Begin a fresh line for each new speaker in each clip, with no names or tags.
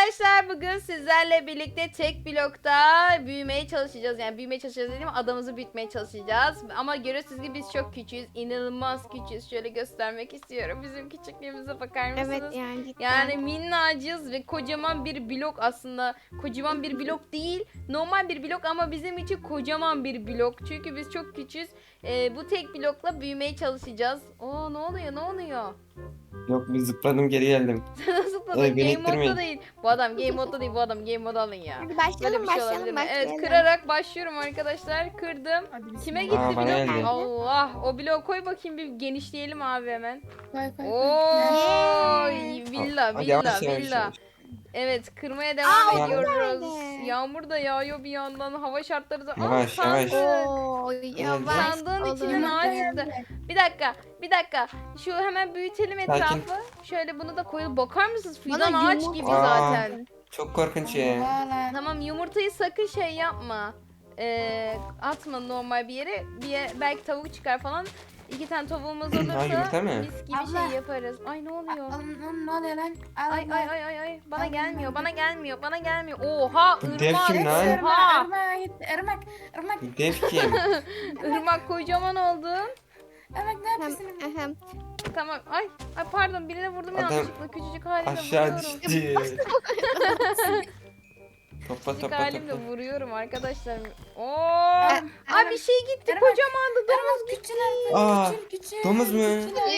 Arkadaşlar bugün sizlerle birlikte tek blokta büyümeye çalışacağız. Yani büyümeye çalışacağız dediğim adamımızı büyütmeye çalışacağız. Ama görüyorsunuz ki biz çok küçüğüz. İnanılmaz küçüğüz. Şöyle göstermek istiyorum. Bizim küçüklüğümüze bakar mısınız?
Evet yani cidden.
Yani minnacız ve kocaman bir blok aslında. Kocaman bir blok değil. Normal bir blok ama bizim için kocaman bir blok. Çünkü biz çok küçüğüz. Bu tek blokla büyümeye çalışacağız. Oo, ne oluyor?
Yok bir zıpladım geri geldim.
Nasıl tadı?
Ay, beni
Game
ittirmeyin.
modda değil. Bu adam game modda değil. Bu adam game modda alın ya.
Hadi
Böyle
başlayalım
bir şey olabilir mi? Evet,
başlayalım.
kırarak başlıyorum arkadaşlar. Kırdım. Kime gitti
Aa, bana
blok?
geldi.
Allah. O bloğu koy bakayım, bir genişleyelim abi hemen.
Koy.
Oo, villa,
Hadi yavaş,
villa,
yavaş,
villa.
yavaş.
Evet, kırmaya devam
Aa,
ediyoruz.
nerede?
Yağmur da yağıyor bir yandan. Hava şartları da...
Yavaş,
sandık.
yavaş.
Oo, yavaş.
Sandığın
olun.
içine ağaç çıktı. Bir dakika. Şu hemen büyütelim
Sakin.
etrafı. Şöyle bunu da koyalım. Bakar mısınız? Fidan
Bana
ağaç
yumurta-
gibi
Aa.
zaten.
Çok korkunç ya.
Tamam, yumurtayı sakın şey yapma. Atma normal bir yere. Belki tavuk çıkar falan. 2 tane tavuğumuz olursa
yumurta mı?
mis gibi
Abla.
şey yaparız. Ay, ne oluyor?
Ne oluyor lan?
Ay. Bana
Abla,
gelmiyor.
ben-
Bana gelmiyor. Oha,
Bu dev
ırmak.
kim lan?
Oha.
Irmak.
Dev kim?
Irmak, kocaman oldun.
Irmak ne yapıyorsun?
Ahem.
Tamam. Ay pardon, birine vurdum
Adam
yanlışlıkla. Küçücük halimle
Aşağı
vuruyorum.
düştü. Topla
Küçücük
topla
halimle
topla.
vuruyorum arkadaşlar. Oo!
Irmak.
Ay, bir şey gitti,
Irmak.
kocamandı.
Irmak küçül
Aa,
artık. Küçül.
domuz mu?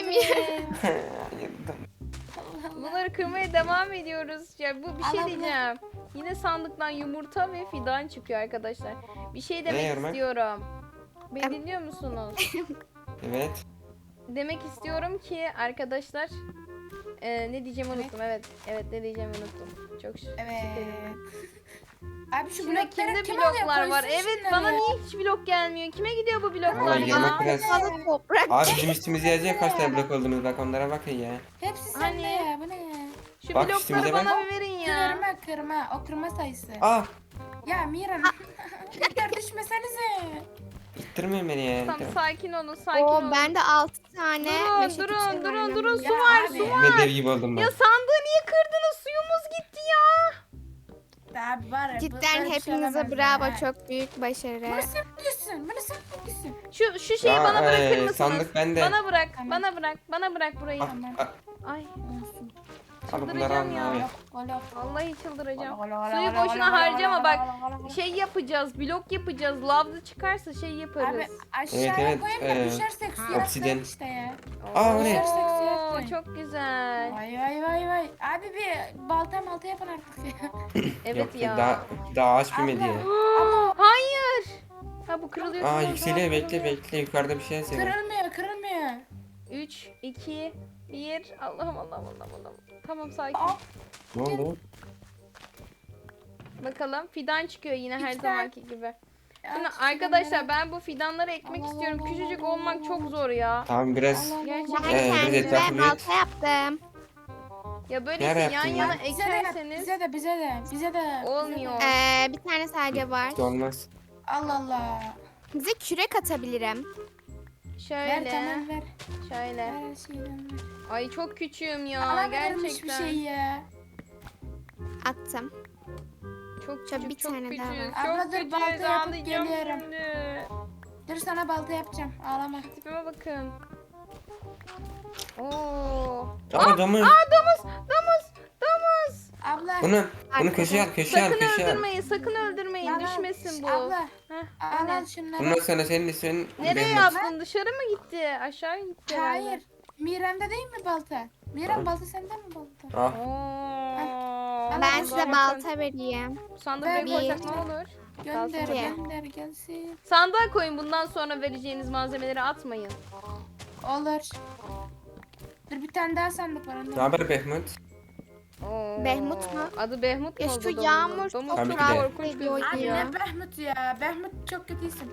Bunları kırmaya devam ediyoruz. Ya bu bir şey
Allah.
diyeceğim. Yine sandıktan yumurta ve fidan çıkıyor arkadaşlar. Bir şey demek
Irmak?
istiyorum. Beni dinliyor musunuz?
Evet.
Demek istiyorum ki arkadaşlar, ne diyeceğimi unuttum. Evet ne diyeceğimi unuttum. Çok
Evet.
şüpheliyim.
Abi şu
Şimdi
blokları
kimde
kim
bloklar
alıyor?
var?
Koysun
Evet,
şunları
bana
ya.
niye hiç blok gelmiyor? Kime gidiyor bu bloklar
Vallahi
ya?
yemek biraz.
Fazla toprak.
Abi bizim üstümüze yazacak kaç tane blok olduğunu bak onlara bakın ya.
Hepsi sende
Hani?
ya. Bu ne ya?
Şu
Bak
blokları
üstümüze
bana
bak.
bir verin ya.
Kırma. O kırma sayısı.
Aa,
Ya Miran. Yeter düşmesenize.
ittirmeyin beni ya.
Tamam,
Tamam.
sakin olun.
Oo, bende 6 tane meşe
Durun,
çiçeği var
durun.
benim.
Su
Ya
var,
abi.
su
Ya.
var.
Ne dev gibi oldum ben.
Ya sandığı niye kırdınız? Suyumuz gitti ya.
Abi var ya.
Cidden
böyle bir şey
hepinize
olamaz
bravo,
ya.
çok büyük başarı.
Bunu sen biliyorsun. Bunu sen biliyorsun.
Şu şeyi
Ya,
bana bırakır mısınız?
sandık bende.
Bana bırak burayı.
Tamam.
Ay,
Olsun.
Al bunları
çıldıracağım
al
ya.
abi.
Ola.
Vallahi çıldıracağım.
Ola.
Suyu boşuna harcama bak. Şey yapacağız, blok yapacağız. Lavda çıkarsa şey
Abi
yaparız.
aşağıya
Evet,
koyayım da düşersek suya
obsidyen.
atlayalım işte ya.
Aa, o ne?
Düşersek suya
Oo,
atlayalım.
çok güzel.
Vay. Abi bir balta yapın artık ya.
Evet
Yok,
ya.
daha ağaç büyümedi ya.
Hayır. Ha, bu kırılıyor.
Aa,
kırılıyor,
yükseliyor,
kırılıyor.
bekle yukarıda bir şey yazıyor.
Kırılmıyor.
3, 2, 1. Allah'ım. Tamam, sakin.
Aa,
Ne oldu?
Bakalım, fidan çıkıyor yine her
İki
zamanki gibi. Şimdi
ya,
arkadaşlar, ben bu fidanları ekmek
Allah
istiyorum.
Allah
Küçücük
Allah
olmak
Allah.
çok zor ya.
Tamam biraz
Allah.
Gerçekten.
Ben
biraz etrafı
kendime
büyüt.
balta yaptım.
Ya böyle
Nerede
yan
yaptın
yana
ya?
ekerseniz
Bize de.
olmuyor.
Bir tane sadece var.
hiç olmaz.
Allah.
Size kürek atabilirim.
Ver
Şöyle.
tamam ver.
Şöyle.
Ver her şeyden ver.
Ay, çok küçüğüm ya.
Bana verilmiş bir
Gerçekten.
şey ya.
Attım.
Çok
Şöyle
küçük,
bir
çok
tane
küçük.
daha var.
Çok
Abla dur,
küçük.
balta yapıp
Ağlayacağım
geliyorum.
şimdi.
Dur sana balta yapacağım. Ağlama.
Tipime bakın. Oo.
Aa, domuz.
Domuz.
Abla.
Bunu köşeye al, köşeye al,
Sakın
köşeye al.
öldürmeyin.
Bana-
Düşmesin bu.
Abla.
Heh, o
Al
ne?
şunları.
Bundan sonra senin ismin
Nereye
Behmut.
yaptın? Dışarı mı gitti? Aşağı gitti herhalde.
Hayır. Miran'da değil mi balta? Miran balta sende mi balta?
Ah,
Oo.
Ben
O
size
zaman
balta vereyim.
sandığı
Ben
buraya koysak
bir-
ne olur?
Gönder
Kalsın.
gönder gelsin.
Sandığa koyun, bundan sonra vereceğiniz malzemeleri atmayın.
Olur. Dur bir tane daha sandık var.
ne
Onu.
haber Behmut?
Oo.
Behmut mu?
Adı Behmut mu
Ya
oldu
şu
domuzun?
yağmur
Domuz
çok
Tabii
çok
ki de.
korkunç
ediyor
Abi
gözüküyor.
ya.
ne Behmut ya. Behmut çok kötü isim.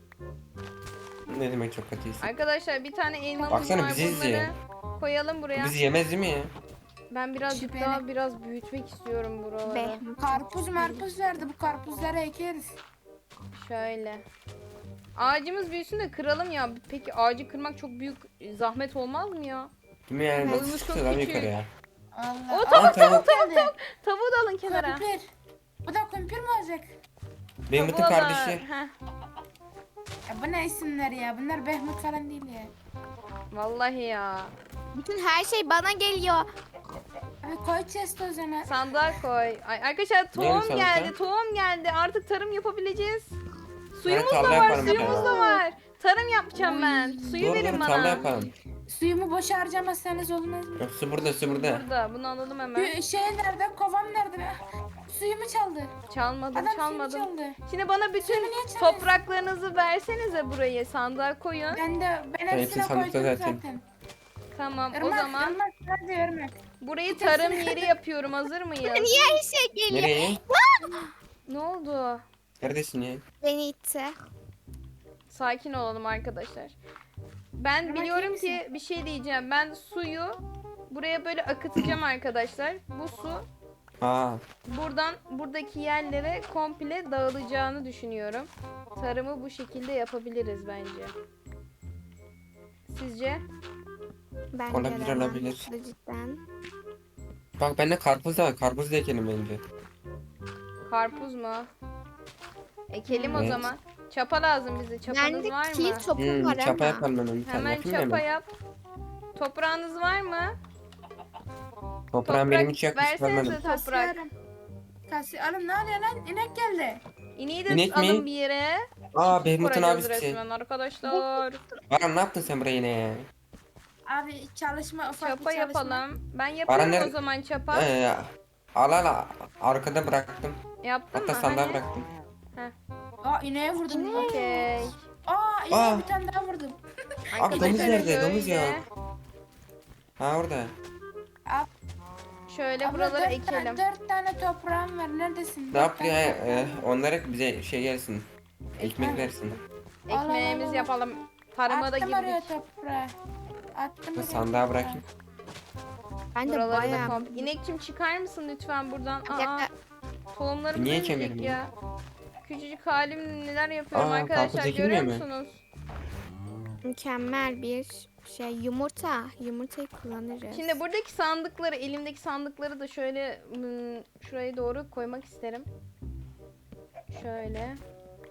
Ne demek çok kötüyse.
Arkadaşlar, bir tane elmamız
Baksana,
var,
bizi izliyor.
bunları koyalım buraya.
Bizi yemez değil mi ya?
Ben birazcık
Şüpheli.
daha büyütmek istiyorum buraları.
Behmut.
Karpuz marpuz verdi. Bu karpuzları ekeriz.
Şöyle. Ağacımız büyüsün de kıralım ya. Peki ağacı kırmak çok büyük zahmet olmaz mı ya?
Değil mi yani?
Boyumuz
Nasıl
çok
çıktı lan
küçük.
yukarı ya?
Allah.
O tavuk,
tavuk.
tavuk. Tavuğu da alın kenara.
Kumpir. Bu da kumpir mi olacak?
Behmut'un
Tavuğu alın.
kardeşi.
Heh.
Ya bu ne isimler ya? Bunlar Behmut falan değil ya.
Vallahi ya.
Bütün her şey bana geliyor.
Abi koy chest o zaman.
Sandığa koy. Ay, arkadaşlar tohum
sandığa?
geldi. Tohum geldi. Artık tarım yapabileceğiz. Suyumuz
tarla
da var.
yaparım bir
Suyumuz
tane.
da var. Tarım yapacağım ben. Suyu
Doğru
verin
doğru
bana.
tarla yapalım.
Suyumu boşa harcamazsanız olmaz mı?
Yok su burada su burada.
Burada. Bunu alalım hemen.
Şey nerede? Kovam nerede? Suyumu çaldı.
Çalmadım,
Adam
çalmadım.
suyumu çaldı.
Şimdi bana bütün
Suyumu niye çalıyorsun?
topraklarınızı versenize burayı. Sandığa koyun.
Ben hepsine
Hepsi sandıkta
koydum
zaten.
zaten.
Tamam. O
Irmak,
zaman
Irmak, hadi Irmak.
burayı tarım yeri yapıyorum. Hazır mıyız?
Niye her şey geliyor?
Nereye?
Ne oldu?
Neredesin ya?
Beni itti.
Sakin olalım arkadaşlar. Ben
Irmak,
biliyorum
iyi
ki
misin?
bir şey diyeceğim. Ben suyu buraya böyle akıtacağım arkadaşlar. Bu su
Aa.
buradan buradaki yerlere komple dağılacağını düşünüyorum. Tarımı bu şekilde yapabiliriz bence. Sizce?
Ben
Olabilir,
gelemem.
olabilir.
Bu da cidden.
Bak bende karpuz da var. Karpuz da ekelim bence.
Karpuz mu? Ekelim o
Evet.
zaman. Çapa lazım bize. Çapanız
Bende
var
kil
mı?
topu var
Çapa
ama.
yapalım hemen bir tane.
Hemen
Yapayım mı
çapa
hemen?
yap. Toprağınız var mı?
Toprağım benim hiç yakmış
versenize
görmedim.
toprak.
Kasıyorum. Oğlum ne oluyor lan? İnek geldi.
İneği de
İnek mi?
alın bir yere.
Aa Behmut'un
Kuracağız
abisi.
resmen arkadaşlar.
Baran ne yaptın sen buraya yine ya?
Abi çalışma ufak
Çapa
bir çalışma.
yapalım. Ben yapıyorum
Bana
o
ne-
zaman çapa.
Al arkada bıraktım.
Yaptın
Hatta
mı?
sandığa
Hani?
bıraktım.
Aa ineğe vurdum.
Okey.
Aa ineğe
Aa.
bir tane daha vurdum.
Abi domuz
Arkadaşlar
nerede? Domuz
şöyle-
ya. Ha orada.
Şöyle
Abla,
buraları
dört
ekelim.
Dört tane toprağım var. Neredesin?
Ne yaptı ya? Onlara bize şey gelsin. Ekmek versin.
Ekmeğimizi
Allah.
yapalım. Tarıma da
Attım oraya
girdik.
toprağı. Attım oraya
Sandığa
toprağı.
bırakayım.
Ben de
Buraları da
bayağı...
komple. İnekçim çıkar mısın lütfen buradan?
Bir
Aa,
dakika.
tohumlarımız
Niye
ölecek
çevirmiyor?
ya. Küçücük halim neler yapıyorum
Aa,
arkadaşlar
karpuz
görüyor
ekilmiyor mu?
musunuz?
Mükemmel bir şey. Yumurta. Yumurtayı kullanırız.
Şimdi buradaki sandıkları, elimdeki sandıkları da şöyle şuraya doğru koymak isterim. Şöyle.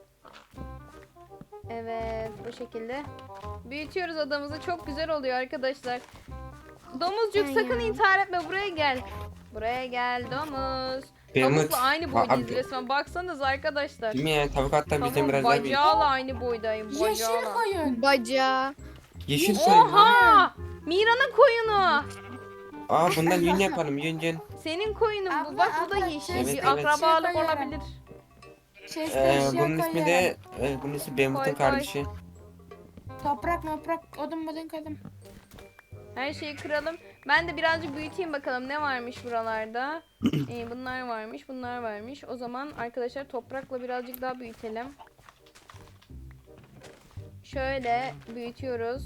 Evet, bu şekilde. Büyütüyoruz adamızı. Çok güzel oluyor arkadaşlar. Domuzcuk
Ay
sakın
ya.
intihar etme. Buraya gel. Buraya gel domuz.
Behmut.
Tavukla aynı boydayız
Abi-
resmen. Baksanız arkadaşlar.
Değil mi ya? Tavuk hatta bizden
Tavuğun
biraz daha büyük.
bacağıyla aynı boydayım.
Yeşil
Bacağıyla.
koyun.
Baca.
Yeşil koyun.
Oha! Mira'nın koyunu.
Aa bundan yün yapalım yün.
Senin koyunun bu.
Abla,
Bak bu da
abla,
yeşil.
evet,
bir
evet.
akrabalık
Şey koyuyorum.
olabilir.
Bunun ismi de bunun ismi Behmut'un
Koy, koy.
kardeşi.
Toprak odun koydum.
Her şeyi kıralım. Ben de birazcık büyüteyim bakalım ne varmış buralarda. Bunlar varmış, bunlar varmış. O zaman arkadaşlar toprakla birazcık daha büyütelim. Şöyle büyütüyoruz.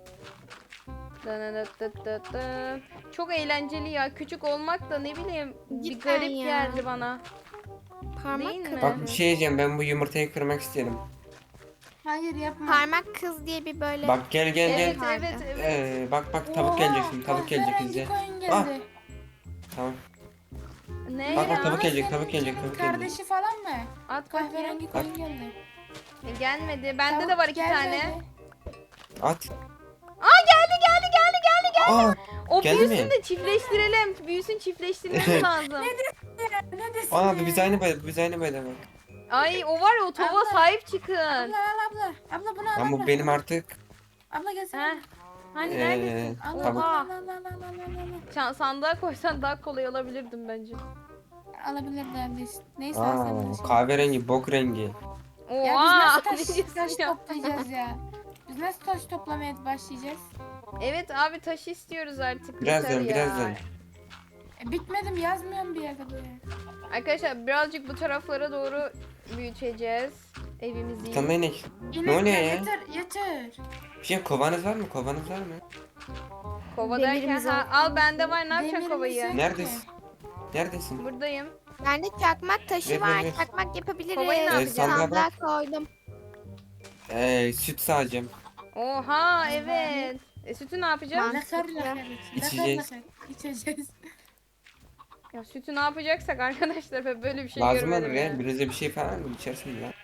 Dın. Çok eğlenceli ya. Küçük olmak da ne bileyim bir
Cidden
garip
ya.
geldi bana.
Parmak
Değil mi?
kız.
Bak bir şey diyeceğim ben bu yumurtayı kırmak isterim.
Hayır yapma.
Parmak kız diye bir böyle...
Bak gel gel
Evet,
gel.
evet, evet.
Bak tavuk gelecek şimdi tavuk gelecek
kahverengi
bize.
koyun
Ah.
geldi.
Tamam.
Ne
Bak,
ya?
bak, tavuk gelecek,
Senin
tavuk gelecek,
senin
tavuk gelecek.
Kardeşi falan mı?
At bakayım.
Kahverengi koyun geldi.
Gelmedi. Bende
Tavuk
de var 2
gelmedi.
tane.
At.
Aa geldi.
Aa
O
Geldi
büyüsün
mi?
de çiftleştirelim. Büyüsün çiftleştirmemiz lazım.
Ne desin?
aa biz aynı boyda bak.
Ay o var ya o tavuğa
Abla.
sahip çıkın.
Abla. Abla bunu al.
Ama
abla.
bu benim artık
Abla gelsene.
Heh. Hani
Ee,
neredesin?
Al,
tavuk.
Oha. Sandığa koysan daha kolay alabilirdim bence.
Alabilir neredeyse. Neyse
Aa
alsana.
kahverengi bok rengi.
Ya
Oha.
biz nasıl
ne
taş
diyorsun ya?
toplayacağız ya? Biz nasıl taş toplamaya başlayacağız?
Evet abi taş istiyoruz artık.
Birazdan,
yeter ya.
birazdan.
Bitmedim yazmıyorum bir yerde böyle.
Arkadaşlar birazcık bu taraflara doğru büyüteceğiz evimizi.
Bir tane inek.
İnek
oluyor ya?
Yeter.
Bir şey kovanız var mı? Kovanız var mı?
Kova derken
Demirimiz
ha, al bende var ne yapacaksın
Demirimiz
kovayı?
yok.
Neredesin? Neredesin?
Buradayım.
Bende çakmak taşı
Ver,
var.
ver, ver.
Çakmak yapabiliriz.
Kovayı ne
yapacağız? sandığa
Sandığa koydum.
Süt sağacağım.
Oha evet. Sütü ne yapacağız?
Mantıklı.
Lakar.
İçeceğiz.
İçeceğiz.
Ya sütü ne yapacaksak arkadaşlar, ben böyle bir şey
Lazım
görmedim
olur ya.
ya.
Biraz da bir şey falan mı içersin ya?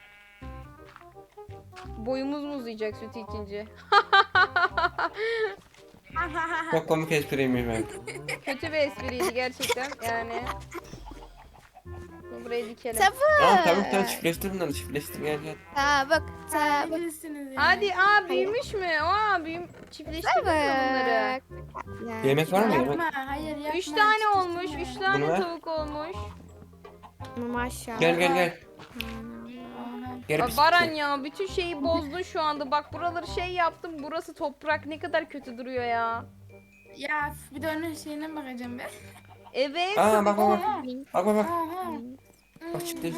Boyumuz mu uzayacak sütü içince?
Çok komik espriymiş ben.
Kötü bir espriydi gerçekten yani. Burayı dikelim.
Tamam tamam
Tavuk.
tamam çiftleştir bunları çiftleştir gel gel.
Tavuk. Tavuk.
Bilirsiniz ya.
Hadi büyümüş mü? Çiftleştirdik mi bunları?
Tavuk.
Yemek var mı yemek?
Yapma, hayır yapma.
3 tane
çiftleştirme.
olmuş. 3 tane
Bunu ver.
tavuk olmuş.
Maşallah.
Gel gel gel.
Aha.
Gel
Aa,
pis
Baran
pis.
ya bütün şeyi bozdun şu anda. Bak buraları şey yaptım. Burası toprak, ne kadar kötü duruyor ya.
Ya bir de onun şeyine bakacağım ben.
Evet.
Aa
tabii
bak bak bak.
Aha.
Bak bak bak.
Aha.
Bak çiftleştir.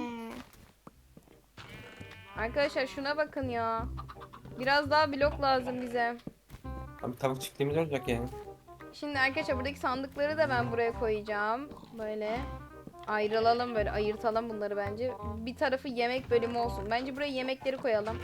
Arkadaşlar şuna bakın ya. Biraz daha blok lazım bize.
Abi tavuk çiftliğimiz olacak ya.
Şimdi arkadaşlar buradaki sandıkları da ben buraya koyacağım. Böyle ayrılalım, böyle ayırtalım bunları bence. Bir tarafı yemek bölümü olsun. Bence buraya yemekleri koyalım.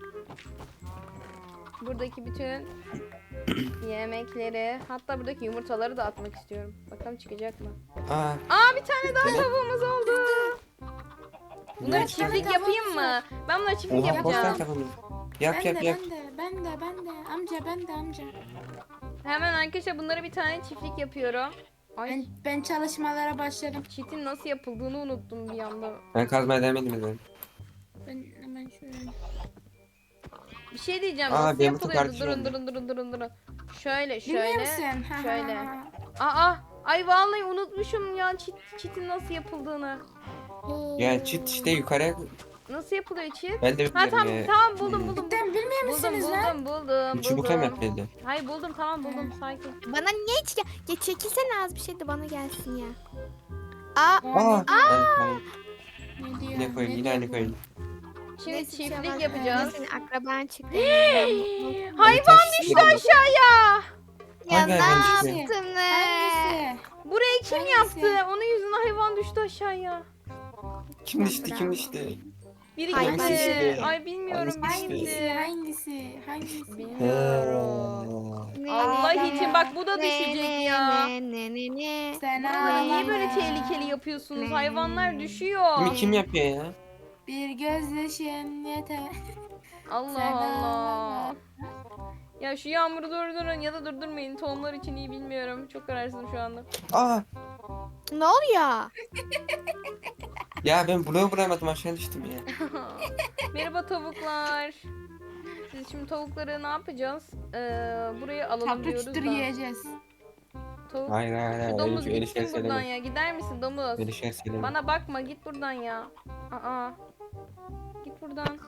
Buradaki bütün yemekleri, hatta buradaki yumurtaları da atmak istiyorum. Bakalım çıkacak mı?
Aa.
Bir tane daha tavuğumuz oldu. Bunları
Ne
çiftlik
çıkacak?
yapayım mı? Ben bunları çiftlik
Oha bostan
yapacağım.
takımız. Yap
Ben
yap
de,
yap.
ben de. Amca ben de amca.
Hemen arkadaşlar bunları bir tane çiftlik yapıyorum. Ay
Ben çalışmalara başladım.
çitin nasıl yapıldığını unuttum bir anda.
Ben kazmaya demedim dedim.
Ben hemen şöyle.
Bir şey diyeceğim,
Aa,
nasıl
benim
yapılıyordu?
çok
Durun
artık
durun. Şöyle
Bilmiyor
şöyle.
musun? Ha,
şöyle.
ha, ha.
Ay vallahi unutmuşum ya çitin nasıl yapıldığını.
Ya çit işte yukarıya.
Nasıl yapılıyor çit?
Ben de
Ha
bilmiyorum ya.
tamam buldum.
Cidden bilmiyor musunuz lan?
Buldum.
Çubukla mı yapıldı?
Hayır buldum, tamam buldum, sakin.
Bana niye hiç ya çekilsene az bir şey de bana gelsin ya. Aa.
Aa. Ben
Ne diyor?
yine koyun yine aynı koyun.
Şimdi
neyse,
çiftlik
şey
yapacağız.
Senin akraban çıktı.
Hayvan düştü aşağıya.
Ya
Hangi
ne
hayvan düştü?
yaptın?
Hangisi?
Burayı kim
Hangisi?
yaptı? Onun yüzünden hayvan düştü aşağıya.
Kim düştü kim düştü?
Biri
Hayvan
gitti.
düştü.
Ay bilmiyorum,
Hangisi
biri
düştü?
gitti.
Hangisi?
Bilmiyorum.
Ne,
Allah
ne,
için bak bu da düşecek ya.
Ne.
Sen
Buraları niye
ağlama.
böyle tehlikeli yapıyorsunuz?
Ne?
Hayvanlar düşüyor.
Kimi kim yapıyor ya?
Bir gözyaşın yeter.
Allah
Sen
Allah.
ağlama.
Ya şu yağmuru durdurun ya da durdurmayın. Tohumlar için iyi bilmiyorum. Çok kararsızım şu anda.
Aa.
Ne oluyor?
Ya ben bloğu vuramadım aşağı düştüm ya.
Merhaba tavuklar. Siz şimdi tavukları ne yapacağız? Buraya alalım
Tatlı
diyoruz
çıtır
da.
yiyeceğiz.
Tavuk.
Hayır hayır
Şu
hayır.
domuz
Öyle
gitsin
şey
buradan
söyleme.
ya. Gider misin domuz?
Öyle şey söyleme.
Bana bakma, git buradan ya. Aa. Git buradan.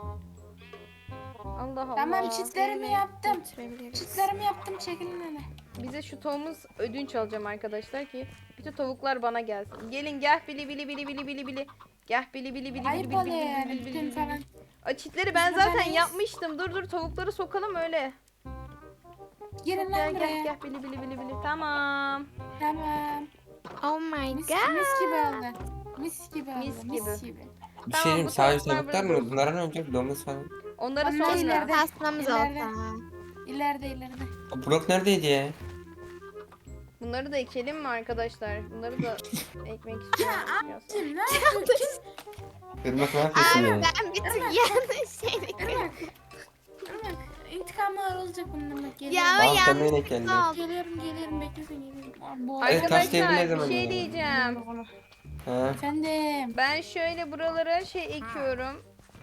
Allah Allah.
Tamam çitlerimi yaptım.
Götürebiliriz.
Çitlerimi yaptım çekilin hele.
Bize şu tavuğumuz ödünç alacağım arkadaşlar ki bütün tavuklar bana gelsin. Gelin gel bili. Gel bili.
Ayıp oluyor yani bütün falan.
Çitleri ben
Biz
zaten
buradayız.
yapmıştım. Dur tavukları sokalım öyle.
Girin lan buraya.
Gel bili. Tamam.
Tamam.
Oh my
Mis,
god.
mis gibi oldu. Mis gibi oldu.
Mis
Mis
gibi.
gibi.
Bir
Tamam,
şey diyeyim
bu
sadece
tavuklar
tavuklar
burada
mı? Bunlara ne olacak? Domuz falan.
Onları
Onlar
sonra.
ileride.
Pastamız
İleride.
olsa.
İleride.
O blok neredeydi ya?
Bunları da ekelim mi arkadaşlar? Bunları da ekmek istiyorum. biraz.
Kim ne yapıyorsun?
Irmak ne yapıyorsun
Abi
ya?
ben bir tık yanlış şeyle
Irmak. Irmak. İntikamlar olacak bundan bak.
Ya
Geliyorum.
ama
Aa sen
yanlış
nereye geldin?
oldu.
Geliyorum beklesin geliyorum. Bu
Evet, taş devri ne
Arkadaşlar bir
zaman
şey
ya?
diyeceğim.
Ha?
Efendim.
Ben şöyle buralara şey ekiyorum.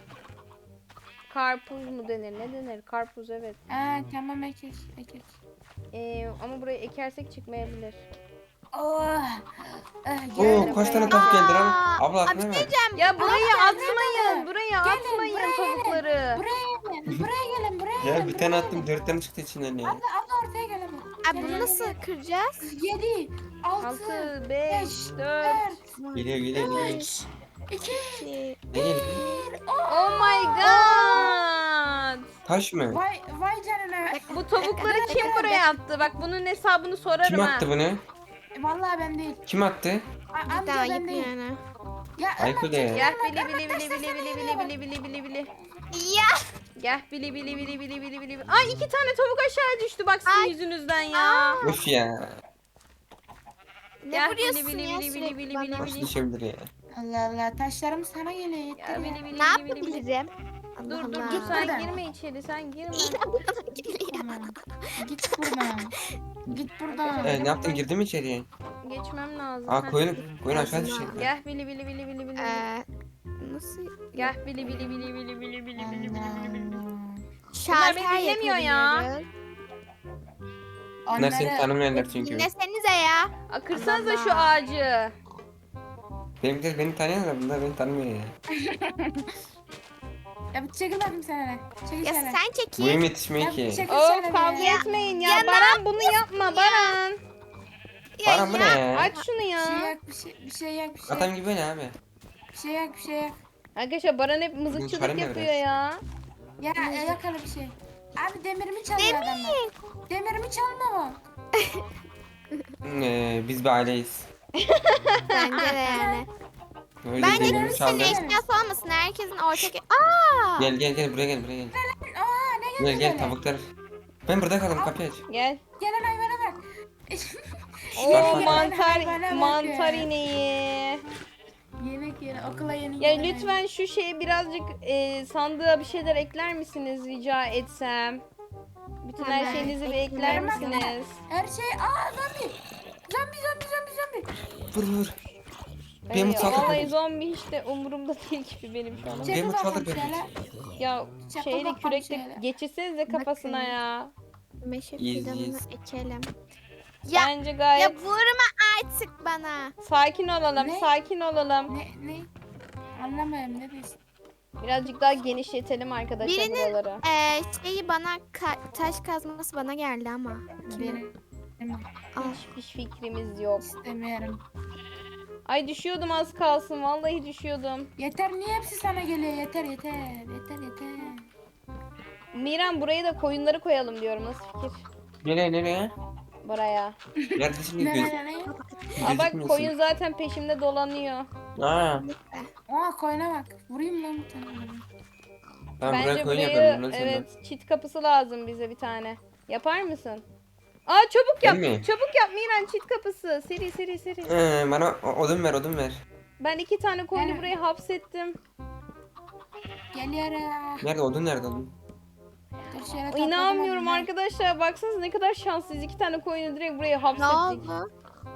Karpuz mu denir? Ne denir? Karpuz, evet.
Tamam ekek.
Ama buraya ekersek çıkmayabilir.
Oh.
Oo kaç tane tavuk geldi lan? Abla
Abi
aklına ver.
Ya burayı
Aa,
atmayın. Buraya atmayın
buraya
tavukları.
Buraya gelin.
Ya bir tane attım 4 tane çıktı içinden ya.
Abla ortaya gelin.
Abi bunu nasıl kıracağız?
7, 6,
6, 5, 4.
4,
Geliyor.
3, 2,
Şey,
Ne geliyor?
Oh my god.
Taş mı?
vay canına.
Bu tavukları kim buraya attı? Bak bunun hesabını sorarım
Kim
ha.
attı bunu?
Vallahi ben değil.
Kim attı?
bir daha
Amca ben
ayıp
değil.
yani.
Ya
Aykut ya.
Gel bili.
Ya.
Gel bili. Ay 2 tane tavuk aşağı düştü bak sizin yüzünüzden ya.
Of ya.
Ne
Gel,
vuruyorsun
bili,
ya
bili,
sürekli
bili,
bana?
bili,
Nasıl
bili.
düşebilir ya?
Allah Allah taşlarım sana geliyor
Ya
yeter ya.
bili, bili,
Ne
bili, bili, bili.
yapabilirim? Allah
Dur dur
Allah.
dur sen
buradan.
girme içeri sen girme.
İyi de bana geliyor.
Buradan. Git buradan. Git buradan.
Arkadaşlar,
Ne yaptın, girdin mi içeriye?
Geçmem lazım.
Aa
Heh.
koyun aşağı
Ağzına.
düşecek.
Gel bili bili bili bili bili.
Nasıl?
Gel bili bili bili bili bili bili bili bili bili bili.
Şalter
beni dinlemiyor ya.
yapabiliyoruz.
Bunlar seni tanımayanlar çünkü.
Dinlesenize ya.
Aa, kırsanıza
Allah.
şu ağacı.
Benimkiler beni tanıyor da bunlar beni tanımıyor ya.
Ya bir çekil bakayım sen hele. Çekil
Ya
sen hele.
sen çekil.
Boyum yetişmiyor
Ya
ki.
çekil
Of
sen hele
kavga
ya.
etmeyin ya.
Ya ne
Baran bunu yapma Baran.
Baran bu ne ya?
Aç şunu
Bir şey
ya.
yak, bir şey yak, bir şey
Adam
yak.
gibi ne abi?
Bir şey yak, bir şey yak.
Arkadaşlar Baran hep
Bunun
mızıkçılık
karı ne
yapıyor
biraz?
ya.
Ya yak hele bir şey. Abi demirimi çalıyor adamlar. Demirimi çalma bak.
Biz bir aileyiz.
Bence de yani.
Öyle
Bence
demirimi
kimsenin
çaldı.
eşyası olmasın. Herkesin ortak... Aa!
Gel buraya gel.
Aa ne
Gel
geldi
tavuklar. Ben burada kaldım, kapıyı aç.
Gel.
Gelen hayvana bak.
Oo
bak.
mantar ineği.
Yemek yeri okula yeni
Ya
gelen
lütfen şu şeye birazcık sandığa bir şeyler ekler misiniz rica etsem? Bütün her
Hemen
şeyinizi bir ekler
eklerim.
misiniz?
Her şey zombi. Zombi.
Vur. Benim
Evet,
mutfağa
vallahi
bak.
zombi hiç de umurumda değil gibi benim şu an.
Benim
Çekil
mutfağa
bakalım
bak.
şöyle.
Ya
Çakıl
şeyle
bakalım
kürekle
şöyle.
geçirsenize kafasına
Bakın.
ya.
Meşe
İyiyiz,
fidanını
iyiyiz.
ekelim. Ya,
Bence
ya
gayet
vurma artık bana.
sakin olalım,
Ne?
sakin olalım.
Ne? Anlamıyorum ne diyorsun?
Birazcık daha genişletelim arkadaşlar
Birinin-
buraları.
Şeyi bana taş kazması bana geldi ama.
Benim
Al.
Hiçbir fikrimiz yok.
istemiyorum.
Ay düşüyordum az kalsın. Vallahi düşüyordum.
Yeter niye hepsi sana geliyor? Yeter.
Miran buraya da koyunları koyalım diyorum. Nasıl fikir?
Nereye?
Buraya.
Neredesin ki göz?
Ne?
Aa bak
gözükmüyorsun.
koyun zaten peşimde dolanıyor.
Aa,
Koyuna bak. Vurayım lan bir tane.
tamam buraya
Bence
koyun
burayı
yapalım. Bundan sonra.
evet çit kapısı lazım bize bir tane. Yapar mısın? Aa çabuk yap.
Ben mi?
Çabuk yap Miran çit kapısı. Seri.
Bana odun ver.
Ben 2 tane koyunu
Yani-
buraya hapsettim.
Geliyorum.
Nerede odun?
Dur şöyle topladım
İnanmıyorum
onu.
arkadaşlar. Baksanıza ne kadar şanslıyız. 2 tane koyunu direkt buraya
Ne
hapsettik.
oldu?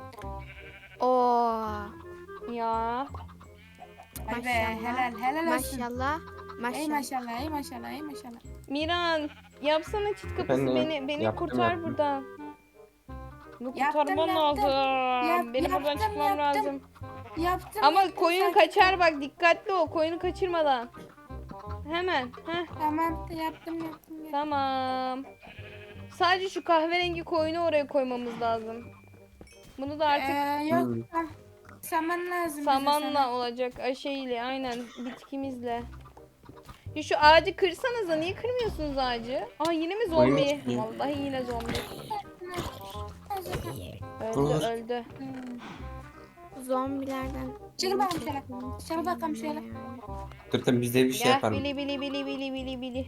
Oo.
Ya.
Vay be
Maşallah.
helal olsun.
Maşallah.
Ey
Maşallah.
maşallah.
Miran yapsana çit kapısı
Efendim?
beni
Yaptım,
kurtar
yaptım.
buradan. Bunu
Yaptım,
kurtarman
yaptım.
lazım. Benim buradan
Yaptım,
çıkmam
yaptım.
lazım.
Yaptım.
Ama
yaptım,
koyun
sakin ol.
kaçar bak dikkatli ol koyunu kaçırmadan. Hemen. Heh,
Tamam yaptım.
tamam. Sadece şu kahverengi koyunu oraya koymamız lazım. Bunu da artık
Yok.
Hmm.
Saman lazım. bize,
samanla
saman.
olacak. Şeyle aynen bitkimizle. Ya şu ağacı kırsanıza niye kırmıyorsunuz ağacı? Aa yine mi
Koyun
zombi?
çıkmıyor.
Vallahi yine zombi.
Vur.
Öldü.
Zombilerden.
Çekil bakalım şöyle. Çekil bakalım şöyle.
Dur tabii biz de bir şey
Gel
yapalım.
bili.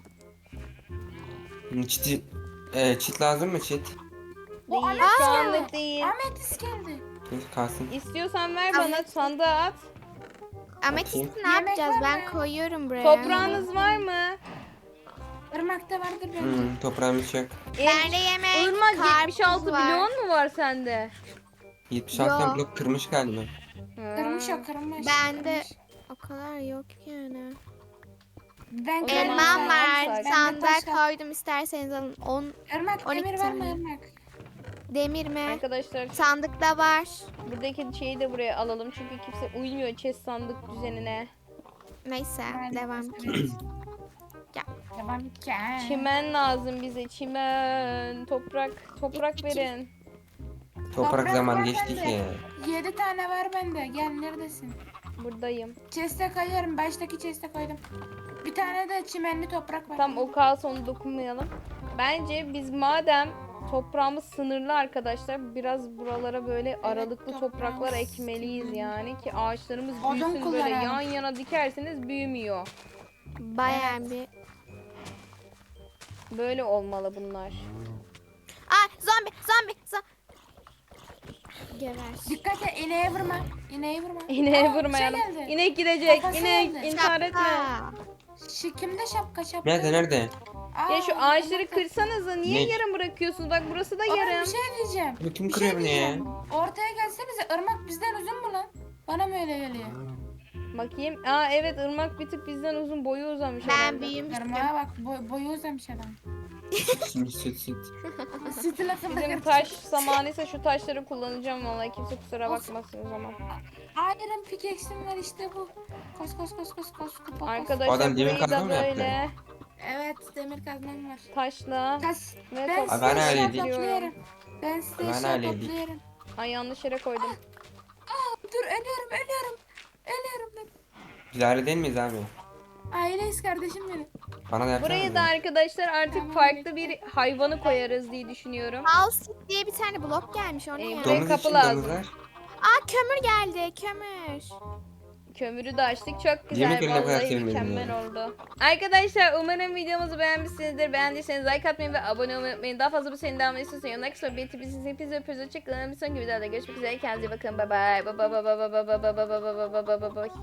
Çit lazım mı çit?
O
Değil
Ahmet
şu
geldi.
anlık değil.
Ahmet geldi.
Dur, kalsın.
İstiyorsan ver bana sandığa at.
Ametisti ne
Yemek
yapacağız?
var
Ben
mı?
koyuyorum buraya.
Toprağınız var mı?
Irmakta vardır bence.
Toprağımız yok.
Bende yemek,
Irmak
karpuz
76
var.
milyon mu var sende?
76
Yok.
blok kırmış galiba.
Kırmış o kırmış.
Bende
kırmış.
o kadar yok yani.
Ben
O zaman
Elmam
sen
var.
sadece-
Sandığa koydum isterseniz alın. 10
Irmak
12
demir var mı
tane.
Irmak?
demir mi?
Arkadaşlar
Sandıkta var.
buradaki şeyi de buraya alalım çünkü kimse uymuyor chest sandık düzenine.
Neyse
Ben-
devam.
Evet.
Ya.
Devam ki.
Çimen lazım bize çimen. Toprak
İki.
verin.
Toprak
Toprak
zaman
var
geçti
bende.
ki.
7 tane var bende. Gel neredesin?
Buradayım.
Chest'e koyuyorum. Baştaki chest'e koydum. Bir tane de çimenli toprak var.
Tam o kalsın onu dokunmayalım. Bence biz madem toprağımız sınırlı arkadaşlar biraz buralara böyle aralıklı topraklar
toprağımız
ekmeliyiz
sınırlı.
yani ki ağaçlarımız
Odun
büyüsün böyle
kullanalım.
yan yana dikerseniz büyümüyor.
Bayağı bir.
Böyle olmalı bunlar.
Aa zombi. Geber.
Dikkat et ineğe vurma. İneğe vurma.
İneğe
Aa, bir şey
vurmayalım.
geldi.
İnek gidecek.
Kafası
İnek
geldi.
intihar etme.
Kimde şapka?
Nerede?
Aa,
Ya şu ağaçları
bak-
kırsanıza. Niye
Ne?
yarım bırakıyorsunuz? Bak burası da
Aa,
yarım.
bir şey diyeceğim.
Bu kim
Bir
kırıyor
şey
bunu ya?
diyeceğim. Ortaya gelsenize, ırmak bizden uzun mu lan? Bana mı öyle geliyor?
Bakayım. Aa evet, ırmak bir tık bizden uzun, boyu uzamış
Ben
herhalde.
büyümüştüm.
Irmağa bak boyu uzamış adam.
Şimdi süt.
Sütü lafını
Bizim taş zamanıysa şu taşları kullanacağım vallahi, kimse kusura bakmasın o zaman.
Iron pickaxe'im var işte bu. Kos. Kupa,
Arkadaşlar
Adam demir
burayı
kazma
da
mı yaptı?
böyle
Evet, demir kazmam var.
taşla
Taş.
ve
Ben
Abi ben
size eşya
öyleydik.
topluyorum. Ben size
Ben
eşya
öyleydik.
topluyorum.
Ay yanlış yere koydum.
Dur ölüyorum. Ölüyorum.
Biz aile değil miyiz abi?
Aileyiz kardeşim benim.
Bana da yapsana.
Burayı da arkadaşlar artık
Tamam,
farklı bir hayvanı koyarız diye düşünüyorum.
House diye bir tane blok gelmiş o ne ya?
Buraya
Domuz
kapı
için
lazım.
domuzlar.
Aa kömür geldi kömür.
Kömürü de açtık. Çok güzel.
Yemek yerine kadar
Vallahi
sevmedim
mükemmel
ya.
oldu. Arkadaşlar umarım videomuzu beğenmişsinizdir. Beğendiyseniz like atmayı ve abone olmayı unutmayın. Daha fazla bu serinin devamını istiyorsanız yorumlar kısmına belirtebilirsiniz. Hepinize öpüyoruz. Hoşçakalın. Bir sonraki videoda görüşmek üzere. Kendinize iyi bakın. Bye bye. Bye bye bye bye bye bye bye bye bye bye bye bye bye.